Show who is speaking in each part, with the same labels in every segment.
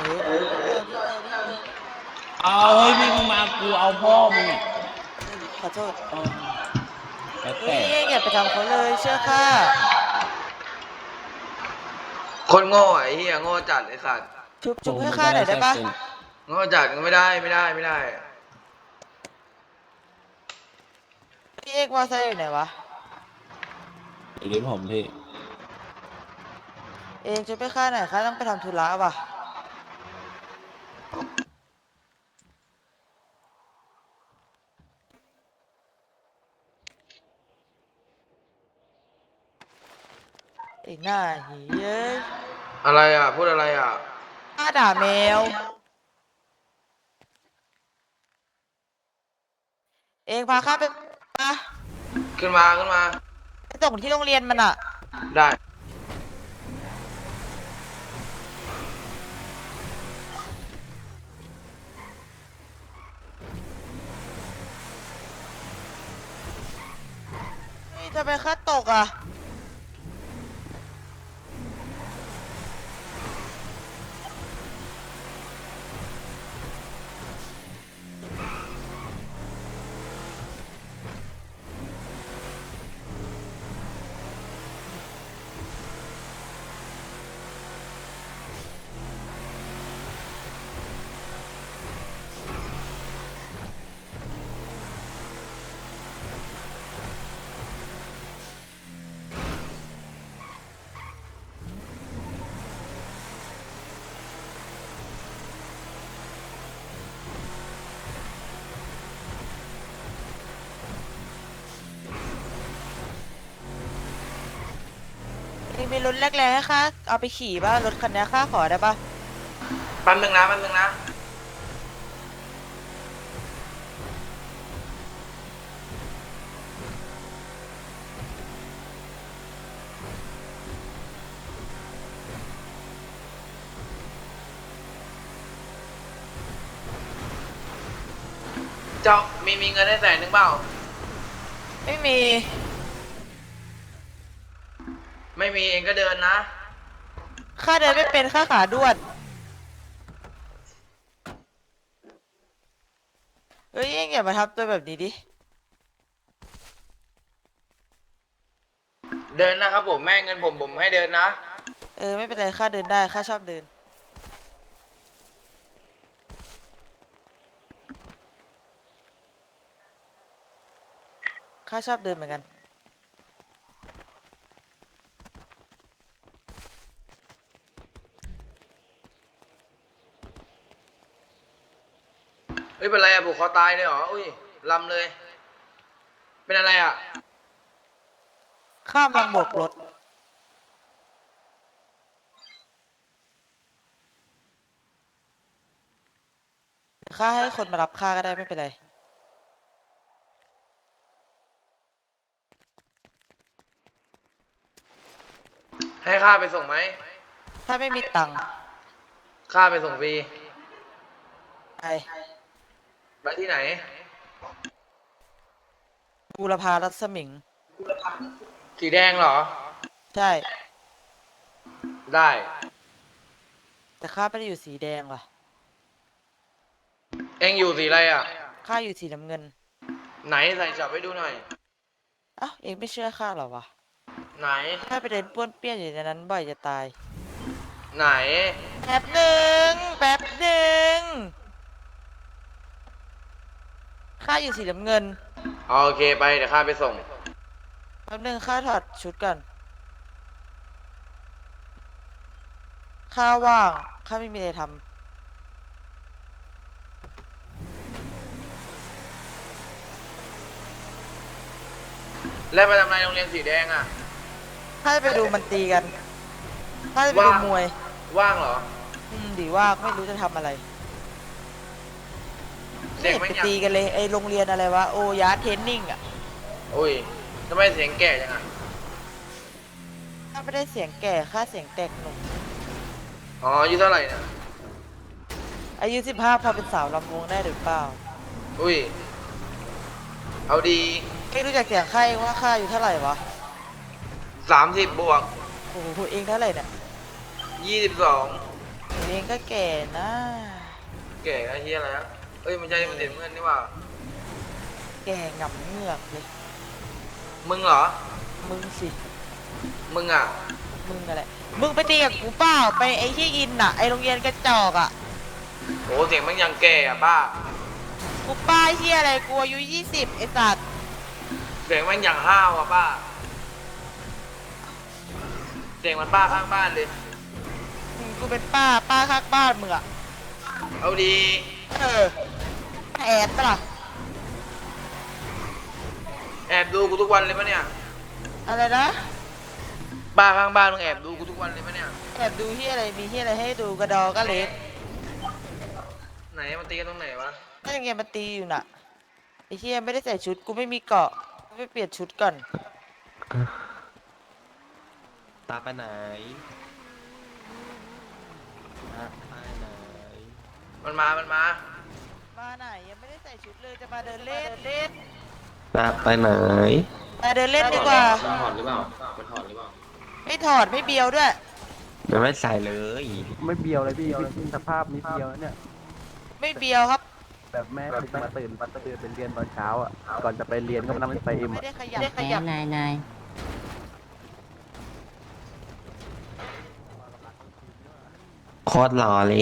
Speaker 1: เอาเฮ้ยพี่มึงมากูเอาพ่อมึงอ่ะ
Speaker 2: ขอโทษ
Speaker 1: แล้ว
Speaker 2: เฮ้
Speaker 1: แต่
Speaker 2: ยอย่าไปทำเขาเลยเชื่อข้า
Speaker 3: คนโง่ไอ้เหี้ยโง่จัดไอ้สัตว์
Speaker 2: ชุบให้ข้าหน่อยได้ปะ
Speaker 3: โง่จัดไม่ได้ไม่ได้ไม่ได้
Speaker 2: พี่เอกมอไซค์อยู่ไหนวะ
Speaker 1: อยู่ที่ผมพี่
Speaker 2: เองชุบให้ข้าหน่อยข้าต้องไปทำธุระว่ะไอ้หน้าหีเอ้ย
Speaker 3: อะไรอ่ะพูดอะไรอ่ะ
Speaker 2: ข้าด่าแมวเองพาข้าไป
Speaker 3: ขึ้นมาขึ้นมา
Speaker 2: ไปส่งที่โรงเรียนมันอ่ะ
Speaker 3: ได้
Speaker 2: นี่ทำไมข้าตกอ่ะเองมีรถแรกๆให้ข้าเอาไปขี่ป่ะรถคันนี้ข้าขอได้ป่ะ
Speaker 3: แป๊บนึงนะแป๊บนึงนะเจ้ามีเงินให้100,000เปล่า
Speaker 2: ไม่มี
Speaker 3: ไม่มีเองก็เดินนะ
Speaker 2: ข้าเดินไม่เป็นข้าขาด้วนเฮ้ยเองอย่ามาทำตัวแบบนี้ดิ
Speaker 3: เดินนะครับผมแม่เงินผมให้เดินนะ
Speaker 2: ไม่เป็นไรข้าเดินได้ข้าชอบเดินข้าชอบเดินเหมือนกัน
Speaker 3: เฮ้ยเป็นไรอ่ะผูกคอตายเลยเหรออุ้ยลำเลยเป็นอะไรอ่ะ
Speaker 2: ข้ามลังโบกรถข้าให้คนมารับข้าก็ได้ไม่เป็นไร
Speaker 3: ให้ข้าไปส่งไหม
Speaker 2: ถ้าไม่มีตังค์
Speaker 3: ข้าไปส่งฟรี
Speaker 2: ไป
Speaker 3: ที่ไหน
Speaker 2: บูรพารัศมิง
Speaker 3: สีแดงเหรอ
Speaker 2: ใช่
Speaker 3: ได้
Speaker 2: แต่ข้าไม่ได้อยู่สีแดงว่ะ
Speaker 3: เอ็งอยู่สีอะไรอ่ะ
Speaker 2: ข้าอยู่สีน้ำเงิน
Speaker 3: ไหนใส่จับให้ดูหน่อย
Speaker 2: เองไม่เชื่อข้าหรอวะ
Speaker 3: ไหน
Speaker 2: ข้าไปเดินป้วนเปี้ยนอยู่ในนั้นบ่อยจะตาย
Speaker 3: ไหน
Speaker 2: แป๊บหนึ่งข้าอยู่สีน้ำเงิน
Speaker 3: โอเคไปเดี๋ยวข้าไปส่ง
Speaker 2: แป๊บหนึ่งข้าถอดชุดก่อนข้าว่างข้าไม่มีอะไรทำ
Speaker 3: แล้วไปทำอะไรโรงเรียนสีแดงอ่ะ
Speaker 2: ข้าจะไปดูมันตีกันข้าจะไปดูมวย
Speaker 3: ว่างเหรอ
Speaker 2: ดีว่างไม่รู้จะทำอะไรไม่เห็นไปตีกันเลยไอโรงเรียนอะไรวะโอยาเทรนนิ่งอ่ะ
Speaker 3: อุ้ยทำไมเสียงแก่จังอ่ะ
Speaker 2: ข้าไม่ได้เสียงแก่ข้าเสียงแตกหนุ่ม
Speaker 3: อายุเท่าไหร่นะ
Speaker 2: อายุ15พอเป็นสาวลำวงได้หรือเปล่า
Speaker 3: อุ้ยเอาดี
Speaker 2: ไม่รู้จักเสียงใครว่าข้าอายุเท่าไหร่วะ
Speaker 3: 30 บวก
Speaker 2: โอ้โหเองเท่าไหร่เนี่ย
Speaker 3: 22
Speaker 2: เองก็แก่นะ
Speaker 3: แก่ไอ้เฮียอะไรอะเอ้ยมันใช่มันเด็นเพื่อนนี่ว่า
Speaker 2: แก่งับเหงือกเลย
Speaker 3: มึงเหรอ
Speaker 2: มึงสิ
Speaker 3: มึงอ่ะ
Speaker 2: มึงอะไรมึงไปตีกับกูเปล่าไปไอ้ที่อินอ่ะไอ้โรงเรียนกระจอกอ่ะ
Speaker 3: โหเสียงมันยังแก่อะป้า
Speaker 2: กูป้าเฮียอะไรกูอายุ20ไอ้สัตว์
Speaker 3: เสียงมันยังห้าวอะป้าเสียงมันป้าข้างบ้านเลย
Speaker 2: กูเป็นป้าข้างบ้านมึงอ่ะ
Speaker 3: เอาดี
Speaker 2: เออแอบปะล่ะ
Speaker 3: แอบดูกูทุกวันเลยปะเนี่ย
Speaker 2: อะไรนะ
Speaker 3: ป้าข้างบ้านมึงแอบดูกูทุกวันเลยปะเนี่ย
Speaker 2: แอบดูเฮียอะไรมีเฮียอะไรให้ดูกระดอก็เล็ก
Speaker 3: ไหนมันตีกันตรงไหนวะ
Speaker 2: ก็ยังไงมันตีอยู่น่ะไอ้เฮียไม่ได้ใส่ชุดกูไม่มีเกาะกูไปเปลี่ยนชุดก่อน
Speaker 4: ตาไปไหนตาไปไหน
Speaker 3: มันมา
Speaker 2: มาไหนยังไม่ได้ใส่ชุดเลยจะมาเดินเล่น
Speaker 4: ตาไปไหน
Speaker 2: มาเดินเล่นดีกว่า
Speaker 5: มันถอดหรือเปล่า มันถอดหรือเปล่า
Speaker 2: ไม่ถอดไม่เบียวด้วย
Speaker 4: ยังไม่ใส่เลย
Speaker 6: ไม่เบียวเลยพี่สภาพนี้เบียวเนี่ย
Speaker 2: ไม่เบียวครับ
Speaker 6: แบบแม่มาตื่นเป็นเรียนตอนเช้าอ่ะ ก่อนจะไปเรียนก็มานั่งเล่นไฟเอ็ม
Speaker 2: ไม่
Speaker 6: อ่ะ
Speaker 2: ได้ขยับ
Speaker 7: นาย
Speaker 4: โคตรหล่อเลย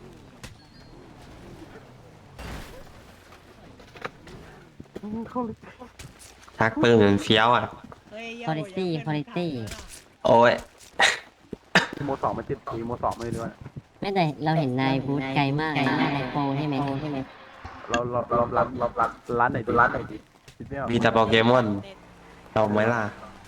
Speaker 4: ทักปืนเหมือนเฟี้ยวอ่ะ
Speaker 7: คุณภาพ
Speaker 4: โอ้ย
Speaker 6: โมสองมันติดทีโมสองไม่รู้ว่า
Speaker 7: ไม่แต่เราเห็นนายบูธไกลมากเลยนายโปรใช่ไหม
Speaker 6: เราร้านไหนดีคิดไม่ออก
Speaker 4: มีแต่โปเกมอนเราไหมล่ะ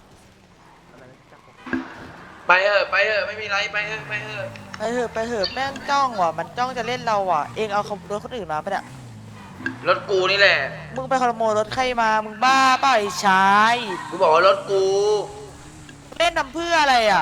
Speaker 3: ไปเถอะไม่มีไรไปเถอะ
Speaker 2: ไปเถอะแม่งจ้องว่ะมันจ้องจะเล่นเราว่ะเองเอาขโมยรถคนอื่นมาปะเนี่ย
Speaker 3: รถกูนี่แหละ
Speaker 2: มึงไปขโมยรถใครมามึงบ้าเปล่าไอ้ชาย
Speaker 3: กูบอกว่ารถกู
Speaker 2: เล่นทำเพื่ออะไรอ่ะ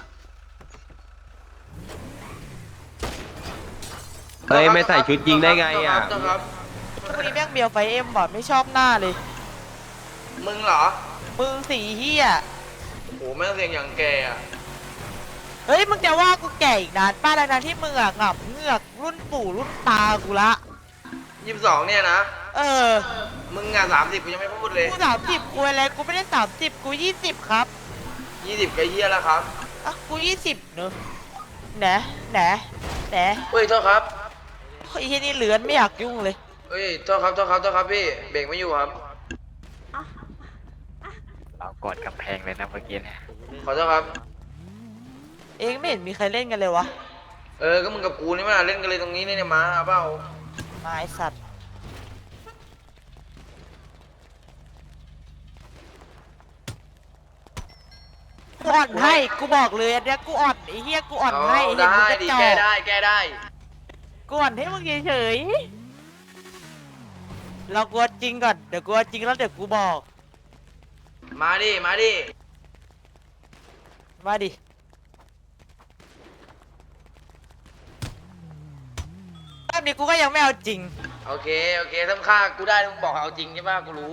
Speaker 4: เฮ้ยไม่ใส่ชุดยิงได้ไงอ่ะ
Speaker 3: เจ้าครับ
Speaker 2: พวกนี้แม่งเบียวไฟเอ็มว่ะไม่ชอบหน้าเลย
Speaker 3: มึงเหรอ
Speaker 2: มึงสีเฮีย
Speaker 3: โหแม่งเสียงอย่างแก่อะ
Speaker 2: เฮ้ยมึงจะว่ากูแก่อีกนานป้าดังนั้นที่มึงอ่ะงับเหงือกรุ่นปู่รุ่นตากูละ
Speaker 3: 22เนี่ยนะ
Speaker 2: เออ
Speaker 3: มึงอ่ะ30กูยังไม่พูดเลย
Speaker 2: กู30กูอะไรกูไม่ได้30กู20ครับ
Speaker 3: 20ก็เฮียแล้วครับ
Speaker 2: อ่ะกู20เนอะแหนแหนแหน
Speaker 3: เฮ้ยโทษครับ
Speaker 2: ไอ้เฮียนี่เหลือนไม่อยากยุ่งเลย
Speaker 3: เฮ้ยโทษครับพี่เบรกไม่อยู่ครับ
Speaker 5: เรากดกำแพงเลยนะเมื่อกี้เนี่ย
Speaker 3: ขอโทษครับ
Speaker 2: เองไม่เห็นมีใครเล่นกันเลยวะ
Speaker 3: ก็มึงกับกูนี่มาเล่นกันเลยตรงนี้เนี่ยมาเอาเปล่า
Speaker 2: มาไอสัตว์กูอ่อนให้กูบอกเลยอันเนี้ยกูอ่อนไอ้เฮียกูอ่อนให้เห็น
Speaker 3: ได้
Speaker 2: มึงกระ
Speaker 3: ดิ
Speaker 2: จอ
Speaker 3: แก้
Speaker 2: ก
Speaker 3: ได้
Speaker 2: กูอ่อนให้มึงเฉยๆเรากลัวจริงก่อนเดี๋ยวกลัวจริงแล้วเดี๋ยวกูบอก
Speaker 3: มาดิ
Speaker 2: มาดิแบบนี้กูก็ยังไม่เอาจริง
Speaker 3: โอเคถ้าฆ่ากูได้มึงบอกเอาจริงใช่ป่ะกูรู้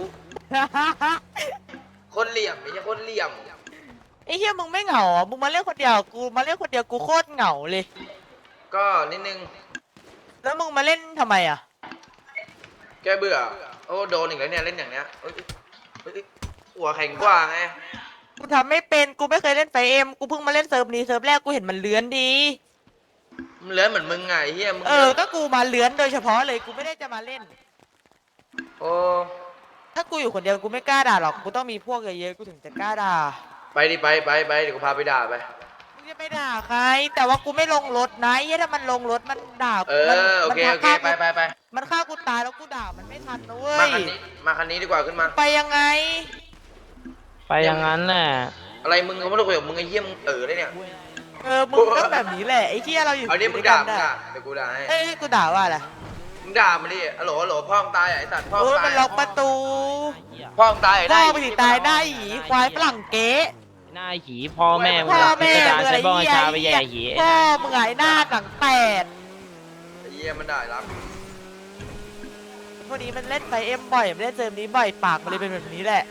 Speaker 3: คนเหลี่ยมไม่ใช่คนเหลี่ยม
Speaker 2: ไอ้เฮียมึงไม่เหงาอ่ะมึงมาเล่นคนเดียวกูมาเล่นคนเดียวกูโคตรเหงาเลย
Speaker 3: ก็นิดนึง
Speaker 2: แล้วมึงมาเล่นทำไมอ่ะ
Speaker 3: แกเบื่อโอ้โดนอีกแล้วเนี่ยเล่นอย่างเนี้ยเอ้ยหัวแข็งกว่าไง
Speaker 2: กูทำไม่เป็นกูไม่เคยเล่นไฟเอ็มกูเพิ่งมาเล่นเซิร์ฟนี้เซิร์ฟแรกกูเห็นมันเลื้อนดี
Speaker 3: มันเลื้อนเหมือนมึงไงเฮียมึง
Speaker 2: ก็กูมาเลื้อนโดยเฉพาะเลยกูไม่ได้จะมาเล่น
Speaker 3: โอ้
Speaker 2: ถ้ากูอยู่คนเดียวกูไม่กล้าด่าหรอกกูต้องมีพวกเยอะๆกูถึงจะกล้าด่า
Speaker 3: ไปดิไปเดี๋ยวกูพาไปด่าไป
Speaker 2: มึงจะไปด่าใครแต่ว่ากูไม่ลงรถนะไอ้เหี้ยถ้ามันลงรถมันด่า
Speaker 3: โอเค
Speaker 2: มันฆ่า
Speaker 3: ไป
Speaker 2: มันฆ่ากูตายแล้วกูด่ามันไม่ทันนะเว้
Speaker 3: มาย คันนี้ดีกว่าขึ้นมา
Speaker 2: ไปยังไง
Speaker 1: ไปอย่างนั้นแหละ
Speaker 3: อะไรมึงเขาไม่ได้คุยกับมึงไอ้เหี้ยมึงเลยเนี่ย
Speaker 2: มึงก็แบบนี้แหละไอ้เหี้ยเราอยู่
Speaker 3: เอาดิมึง
Speaker 2: ด้วย
Speaker 3: ด่า
Speaker 2: กั
Speaker 3: มึง
Speaker 2: ได้
Speaker 3: ด่าเดี๋ยวกูด่าให้
Speaker 2: ให้กูด่าว่าอะไร
Speaker 3: มึงด่ามันดิฮัลโหลพ่อมึงตายไอ้สัตว์พ่อมึง
Speaker 2: มั
Speaker 3: ตาน ย
Speaker 2: ล็อกประตู
Speaker 3: พ่อมึงตาย
Speaker 2: พ่อไปสิตายหน้าหยีควายฝรั่งเก๊
Speaker 1: หน้าหีพ่อแม่มึง
Speaker 2: พ่อ
Speaker 1: อะ
Speaker 2: แม่
Speaker 1: พิจาร
Speaker 2: มึง
Speaker 1: ณา
Speaker 2: อะไร
Speaker 1: ใช้บ้อง
Speaker 2: เหี้ย
Speaker 1: ชาไปแย่หี
Speaker 2: พ่อมึงไงหน้าหนังแตก
Speaker 3: ไอ้เหี้ยมันด่ารับ
Speaker 2: พวกนี้มันเล่นไฟเอ็มบ่อยมันเล่นเซิร์ฟนี้บ่อยปากมันเลยเป็นแบบนี้แหละ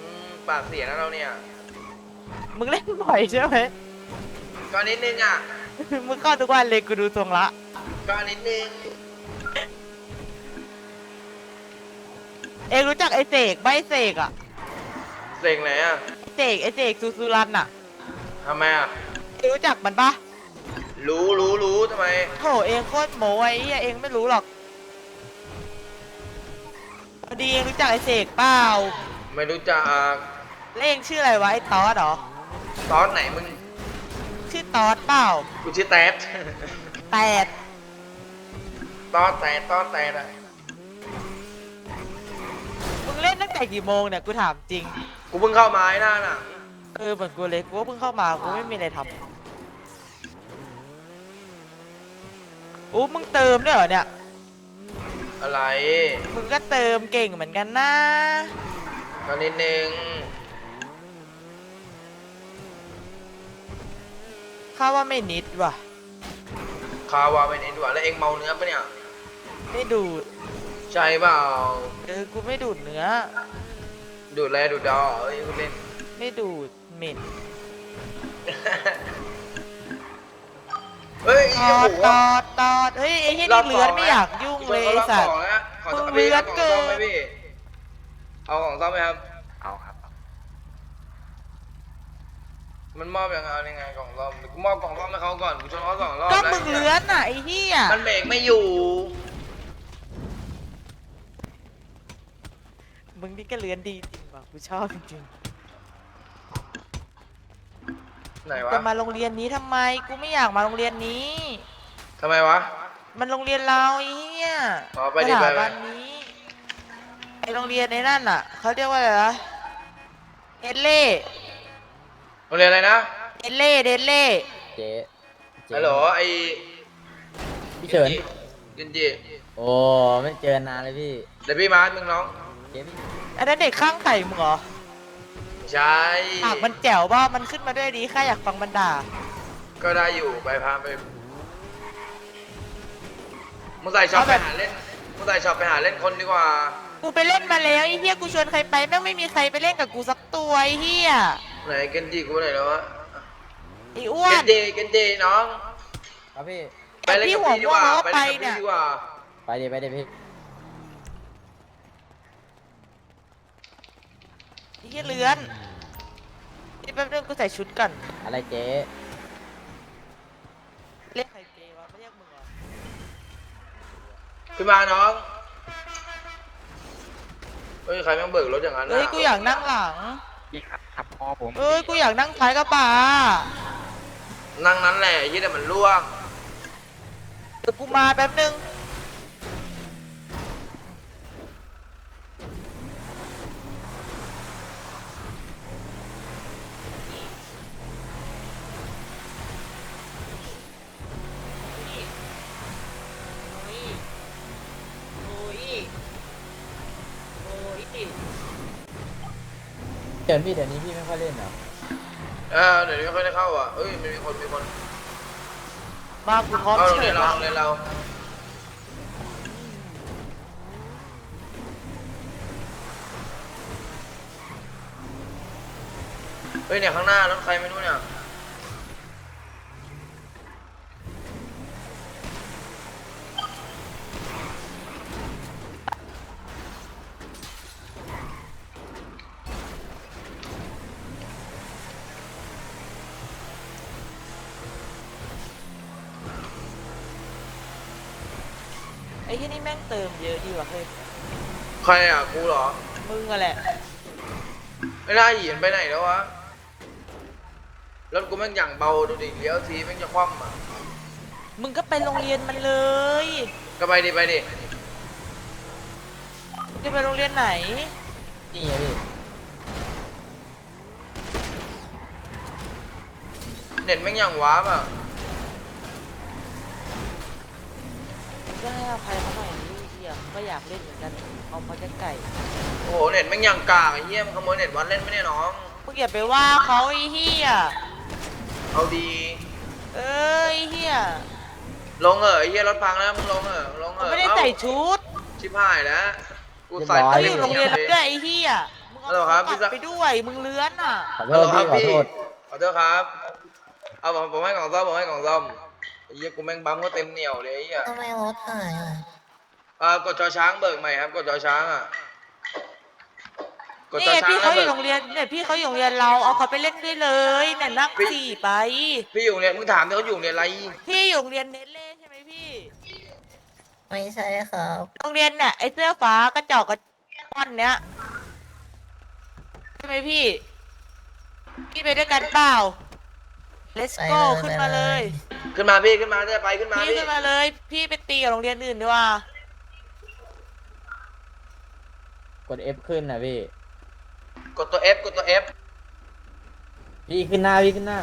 Speaker 3: ปากเสียนะเราเนี่ย
Speaker 2: มึงเล่นบ่อยใช่ไหม
Speaker 3: ก็นิดนึงอ่ะ
Speaker 2: มึงเข้าทุกวันเลยกูดูทรงละ
Speaker 3: ก็นิดนึง
Speaker 2: เองรู้จักไอเสกใบเสกอะ
Speaker 3: เซ็งไหนอ่ะ
Speaker 2: ไอเสกซูซูรันอะ
Speaker 3: ทำไมอ่ะ
Speaker 2: เองรู้จักมันปะ
Speaker 3: รู้ทำไม
Speaker 2: โถเองโคตรโมไอ้เหี้ยเองไม่รู้หรอกพอดีเองรู้จักไอเสกเปล่า
Speaker 3: ไม่รู้จัก
Speaker 2: แล้วเองชื่ออะไรวะไอตอสเหรอ
Speaker 3: ตอนไหนมึง
Speaker 2: ชื่อตอสเปล่า
Speaker 3: กูชื่อแต๊ด
Speaker 2: แปด
Speaker 3: ตอนแต่อะ
Speaker 2: มึงเล่นตั้งแต่กี่โมงเนี่ยกูถามจริง
Speaker 3: กูเพิ่งเข้ามาไอ้หน้าน่ะ
Speaker 2: เหมือนกูเลยกูก็เพิ่งเข้ามากูไม่มีอะไรทำอู้มึงเติมด้วยเหรอเนี่ย
Speaker 3: อะไร
Speaker 2: มึงก็เติมเก่งเหมือนกันนะ
Speaker 3: ก็นิดนึง
Speaker 2: ข้าว่าไม่นิดว่ะ
Speaker 3: คาวาไปไหนดีกว่าแล้วเองเมาเนื้อปะเนี่ย
Speaker 2: ไม่ดูด
Speaker 3: ใช่เปล่า
Speaker 2: กูไม่ดูดเนื้อ
Speaker 3: ดูดแลดูดดอเอ้ยคุณเล่น
Speaker 2: ไม่ดูดเหม็น
Speaker 3: เฮ้ย
Speaker 2: ต
Speaker 3: โอ้
Speaker 2: อ
Speaker 3: โห
Speaker 2: ดตอดเฮ้ยไอ้เหี้ยนี่เลือนไม่อยากยุ่งเลยไอ้สัตว์
Speaker 3: ขอ
Speaker 2: มึง
Speaker 3: พี่
Speaker 2: เลือ
Speaker 3: เอา
Speaker 2: ด
Speaker 3: ของ
Speaker 2: เกิ
Speaker 3: ซ่อม
Speaker 2: น
Speaker 3: ไหมพี่ เอาของซ่อมไหมครับ
Speaker 5: เอาครับ
Speaker 3: มันมอบยังไงกล่องซ่อมกูมอบกล่องซ่อมให้เขาก่อนกูชนเขา2 รอบ
Speaker 2: ก็
Speaker 3: แล้ว
Speaker 2: มึงเลือนอ่ะไอ้เหี้ย
Speaker 3: มันเบรกไม่อยู่
Speaker 2: มึงนี่ก็เลือนดีจริงว่ะกูชอบจริง
Speaker 3: ไหน
Speaker 2: ๆ
Speaker 3: วะ
Speaker 2: จะมาโรงเรียนนี้ทำไมกูไม่อยากมาโรงเรียนนี้
Speaker 3: ทำไมวะ
Speaker 2: มันโรงเรียนเราไอ้เหี้ย
Speaker 3: อ๋อไปดิ
Speaker 2: ส
Speaker 3: ไป
Speaker 2: ถาบันนี้ไอโรงเรียนในนั่นอ่ะเขาเรียกว่าอะไรนะเดนเล่
Speaker 3: โรงเรียนอะไรนะ
Speaker 2: เดนเล่
Speaker 6: เจ๊
Speaker 3: ฮัลโหลไอ้
Speaker 6: พี่เฉิน
Speaker 3: กินจี
Speaker 6: โอ้ไม่เจอนานเลยพี่
Speaker 3: เดี๋ยวพี่มามึงน้อง
Speaker 6: เจ๊พี่
Speaker 2: อันนั้นเด็กข้างไข่มึงเหรอ
Speaker 3: ใช่
Speaker 2: ปากมันแจ๋วป่ะมันขึ้นมาด้วยดีข้าอยากฟังมันด่า
Speaker 3: ก็ได้อยู่ไปพาไปมึงใส่ช็อปไปหาเล่นมึงใส่ช็อปไปหาเล่นคนดีกว่า
Speaker 2: กูไปเล่นมาแล้วไอ้เหี้ยกูชวนใครไปแม่งไม่มีใครไปเล่นกับกูสักตัวไอ้เหี้ย
Speaker 3: ไหนเกนจิกูไหนแล้ววะ
Speaker 2: ไอ้อ้ว
Speaker 3: เก
Speaker 2: น
Speaker 3: นจิน้อง
Speaker 6: ครับพี่
Speaker 3: ไปเล่นกับพี่ดีกว่าไปเล่นกับพี่ดีกว่า
Speaker 6: ไปเดี๋ยวพี่
Speaker 2: ไอ้เหี้ยเลือนนี่แป๊บนึงกูใส่ชุดก่อน
Speaker 6: อะไรเจ๊
Speaker 2: เรียกใครเจวะไม่เรียกมึงเหรอ
Speaker 3: ขึ้นมาน้องเฮ้ยใครแม่งเบิกรถอย่างนั้น
Speaker 2: เฮ้ยกูอยากนั่งหลัง
Speaker 5: พี่ครับทับพ่อผม
Speaker 2: เอ้ยกูอยากนั่งท้ายกระบะ
Speaker 3: นั่งนั้นแหละยี่แต่มันล่วง
Speaker 2: เดี๋ยวกูมาแป๊บนึงโอ้ย
Speaker 6: เฉินพี่เดี๋ยวนี้พี่ไม่ค่อยเล่นเหรอ
Speaker 3: เดี๋ยวนี้ไม่ค่อยได้เข้าอ่ะเอ้ยมีคน
Speaker 2: มากูพร้อม
Speaker 3: เอาโรง
Speaker 2: เฉ
Speaker 3: เรีย
Speaker 2: ย
Speaker 3: นเรา
Speaker 2: ละ
Speaker 3: โรงเรียนเราเฮ้ยเนี่ยข้างหน้ารถใครไม่รู้เนี่ย
Speaker 2: ไอ้ที่นี่แม่งเติมเยอะดีว่ะเฮ้ย
Speaker 3: ใครอ่ะกูเหรอ
Speaker 2: มึงอะแหละ
Speaker 3: ไม่ได้หยีนไปไหนแล้ววะรถกูแม่งอย่างเบาดูดิเลี้ยวทีแม่งจะคว่ำอ่ะ
Speaker 2: มึงก็ไปโรงเรียนมันเลย
Speaker 3: ก็ไปดิ
Speaker 2: มึงจะไปโรงเรียนไหน
Speaker 6: นี่ไงพี่
Speaker 3: เน็ตแม่งอย่างว้าบอ่ะ
Speaker 2: ก็ให้อภัยเขาหน่อยนี่เหี้ยก็อยากเล่นเหมือนกันเอามาไก่
Speaker 3: โอ้โหเน็ตแม่งอย่างกากไอ้เหี้ยมันขโมยเน็ตวันเล่นไม่ได้น้อง
Speaker 2: มึงอย่าไปว่าเขาไอ้เหี้ย
Speaker 3: เอาดี
Speaker 2: เอ้ยไอ้เหี้ย
Speaker 3: ลงเหอะไอ้เหี้ยรถพังแล้วมึงลงเหอะลงเห
Speaker 2: มึง
Speaker 3: อะ
Speaker 2: ไม่ได้ใส่ชุด
Speaker 3: ชิบหายแล้วกูใส่
Speaker 2: เขา
Speaker 3: ไป
Speaker 2: อยู่โรงเรียนแล้วด้วยไอ้เหี้ยมึง
Speaker 3: ฮัลโหล
Speaker 2: เอา
Speaker 3: ครับ
Speaker 2: ปัดไปด้วยมึงเลื้อนอ่ะ
Speaker 6: ขอโทษพี่ขอโทษ
Speaker 3: ขอโทษครับเอาผมให้กล่องซ่อมไอ้เหี้ยกูแม่งบัมก็เต็มเหนียวเลยไอ้เหี้ย
Speaker 8: ทำไมรถหายอ่ะ
Speaker 3: กดจอช้างเบิกใหม่ครับกดจอช้างอ่ะกด
Speaker 2: นี่
Speaker 3: จอช้าง
Speaker 2: พี่เขาอ
Speaker 3: เบิ
Speaker 2: ยู่
Speaker 3: ก
Speaker 2: โรงเรียนเนี่ยพี่เขาอยู่โรงเรียนเราเอาเขาไปเล่นด้วยเลยเนี่ยนั่งสี่ไป
Speaker 3: พี่อยู่เนี่ยมึงถามดิเขาอยู่เนี่ยอะไร
Speaker 2: พี่อยู่โรงเรียนเนเล่ใช่ไหมพี่
Speaker 8: ไม่ใช่ครับ
Speaker 2: โรงเรียนเนี่ยไอ้เสื้อฟ้ากระจอกกระป้อนเนี้ยใช่ไหมพี่พี่ไปด้วยกันเปล่า let's
Speaker 8: ไป
Speaker 2: go
Speaker 8: เลย
Speaker 2: ขึ้นมาเลย
Speaker 3: ขึ้นมาพี่ขึ้นมาจะไปขึ้นมา
Speaker 2: พี่
Speaker 3: พี่
Speaker 2: ขึ้นมาเลย พี่ไปตีกับโรงเรียนอื่นดีกว่า
Speaker 1: กด F ขึ้นนะพี่
Speaker 3: กดตัว F กดตัว F
Speaker 1: พี่ขึ้นหน้าพี่ขึ้นหน้า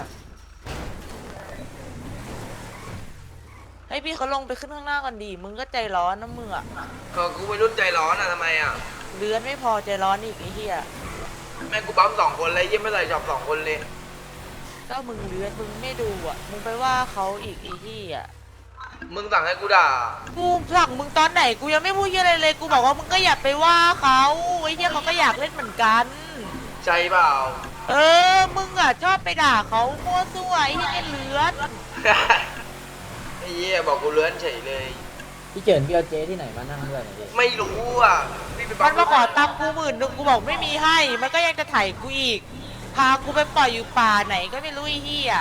Speaker 2: ให้พี่เขาลงไปขึ้นข้างหน้าก่อนดีมึงก็ใจร้อนนะมึงอะ
Speaker 3: ก็กูวัยรุ่นใจร้อนอ่ะทำไมอ่ะ
Speaker 2: เลือนไม่พอใจร้อนอีกไอ้เหี้ย
Speaker 3: แม่งกูบัม2 คนเลยยี่ไม่ใส่จอบ2 คนเลย
Speaker 2: ก็มึงเลือนมึงไม่ดูอะมึงไปว่าเขาอีกไอ้เหี้ย
Speaker 3: มึงสั่งให้กูด่า
Speaker 2: กูสั่งมึงตอนไหนกูยังไม่พูดเหี้ยอะไรเลยกูบอกว่ามึงก็อย่าไปว่าเขาไอ้เหี้ยเขาก็อยากเล่นเหมือนกัน
Speaker 3: ใจเปล่า
Speaker 2: เออมึงอะชอบไปด่าเขามั่วซั่วไอ้เหี้ยเลือน
Speaker 3: ไอ้เหี้ยบอกกูเลื้อนเฉยเลย
Speaker 1: พี่เจินพี่เอาเจ๊ที่ไหนมานั่งด้วยเนี่ยพี่
Speaker 3: ไม่รู้อ่ะพี่ไปบั
Speaker 2: มั
Speaker 3: ม
Speaker 2: นมาขอตังค์กู10,000กูบอกไม่มีให้ มันก็ยังจะไถ่กูอีก พากูไปปล่อยอยู่ป่าไหนก็ไม่รู้ไอ้เหี้ย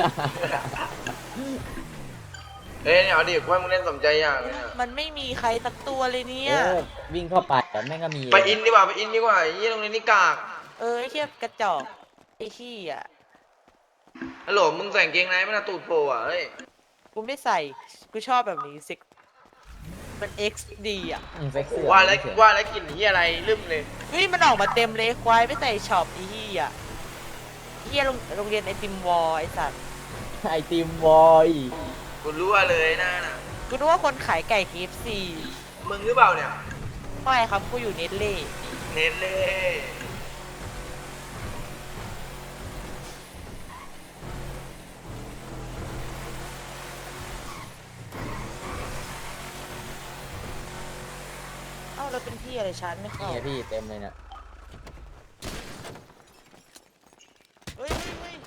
Speaker 3: เฮ้ยเนี่ยเอาดิกูให้มึงเล่นสมใจอย่างเลยเนี่ย
Speaker 2: มันไม่มีใครสักตัวเลยเนี่ย
Speaker 1: วิ่งเข้าไปแต่แม่งก็มี
Speaker 3: ไปอินดีกว่าไปอินดีกว่าไอ้เหี้ยตรงนี้นี่กาก
Speaker 2: เออไอ้เหี้ยกระจอกไอ้เหี้ย
Speaker 3: ฮัลโหลมึงใส่กางเกงในไม่น่าตูดโผล่อ่ะเฮ้ย
Speaker 2: กูไม่ใส่ กูชอบแบบนี้สิมัน XD อ่ะ
Speaker 1: เซ็กซี่
Speaker 3: ว่าแล้วว่าแล้วกลิ่นเหี้ยอะไรลืมเลย
Speaker 2: เฮ้ยมันออกมาเต็มเลยควายไม่ใส่ช็อปไอ้เหี้ยไอ้เหี้ยโรงเรียนไอติมวอลไอ้สัตว์
Speaker 1: ไอติมบอย
Speaker 3: กูรู้ว่าเลยนะน่ะ
Speaker 2: กูนึกว่าคนขายไก่ KFC
Speaker 3: มึงหรือเปล่าเนี่ย
Speaker 2: ไม่ครับกูอยู่เนตเล่
Speaker 3: เน้นเลย
Speaker 2: เอ้าเราเป็นพี่อะไรชั้นไม่เข้า
Speaker 1: นี่พี่เต็มเลยเนี่ย
Speaker 2: เฮ้ยเฮ้ยเฮ้ย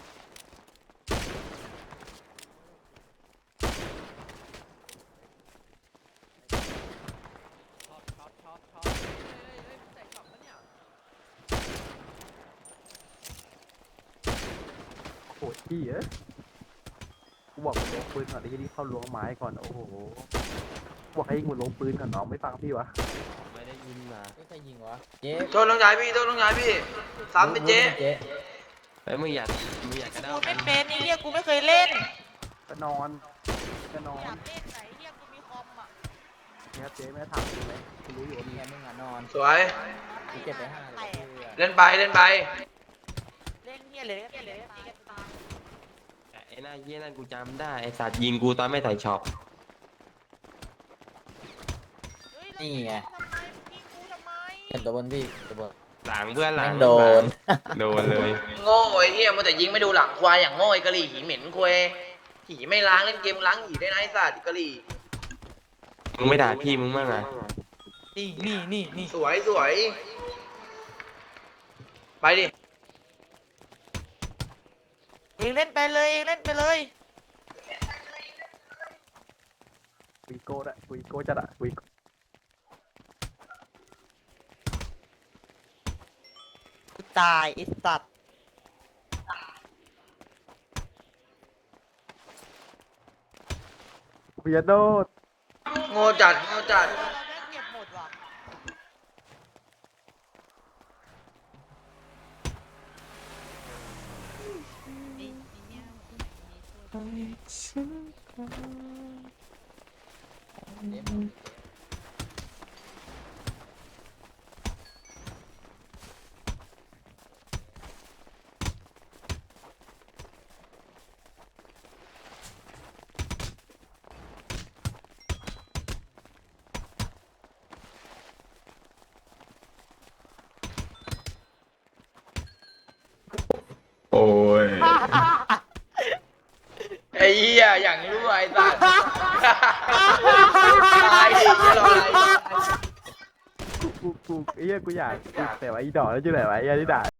Speaker 6: โอ้ยพี่เอ้ยกูบอกมันลงปืนก่อนไอ้ที่นี่เข้าล้วงไม้ก่อนโอ้โหบอกให้ยิงมันลงปืนก่อนน้องไม่ฟังพี่วะ
Speaker 4: ไม่ได้ยินมา
Speaker 1: ไม่ใครยิงวะเจ๊
Speaker 3: โทษน้องชายพี่โทษน้องชายพี่ซ้ำไปเจ๊
Speaker 1: เจ๊
Speaker 4: เฮ้ยมึงอยากกระเด้า
Speaker 2: กู
Speaker 4: กั
Speaker 2: ไม่
Speaker 4: น
Speaker 2: เป็นไอ้เหี้ยกูไม่เคยเล่น
Speaker 6: ก็นอนก็นอ
Speaker 2: อน ยากเล่นไหนเหี้ยกูมีคอมอ่ะ
Speaker 6: เนี่ยเจ๊ไม่ได้ถามกูไหมกูรู้อยู่ว่ามี
Speaker 1: เมียมึงอ่ะนอน
Speaker 3: สวย
Speaker 1: กูเก็บไป5เลย
Speaker 3: เล่นไปเล่นไป
Speaker 2: เล่นเหี้ยเลยเล่นเลยตีกันตาย
Speaker 4: ไอ้หน้าเยี่ยนั่นกูจำได้ไอ้สัตว์ยิงกูตอนไม่ใส่ช็อป
Speaker 2: เฮ้ย
Speaker 1: นี่ไง
Speaker 2: ทำไมยิงกูทำไม
Speaker 1: เห็นตัวบนพี่ตัวบน
Speaker 4: หลังเพื่อนหลั
Speaker 1: แม่
Speaker 4: ง
Speaker 1: งโดน
Speaker 4: โดนเลย
Speaker 3: โง่ไอ้เหี้ยมันแต่ยิงไม่ดูหลังควายอย่างโง่ไอ้กะหรี่หีเหม็นควายหีไม่ล้างเล่นเกมล้างหีได้นะไอ้สัตว์กะหรี่
Speaker 4: มึงไม่ด่าพี่มึงบ้างอ่ะ
Speaker 2: นี่
Speaker 3: สวยสวยไปดิ
Speaker 2: เองเล่นไปเลยเองเล่นไปเลย
Speaker 6: วีโก้ละวีโก้จัดอะวีโก้
Speaker 2: กูตายไอ้สัตว์
Speaker 6: เพียโดด
Speaker 3: โง่จัดโง่จัด
Speaker 2: เราแม่งเก็บหมดว่ะ
Speaker 4: โอ้ย
Speaker 3: ไอ้เหี้ยอย่างรู้ไอ้สัตว์ตายดิจะรออะไร
Speaker 6: กูไอ้เหี้ยกูอยากแต่ว่าอีดอกแล้วจะไหนวะไอ้เหี้ยที่ด่า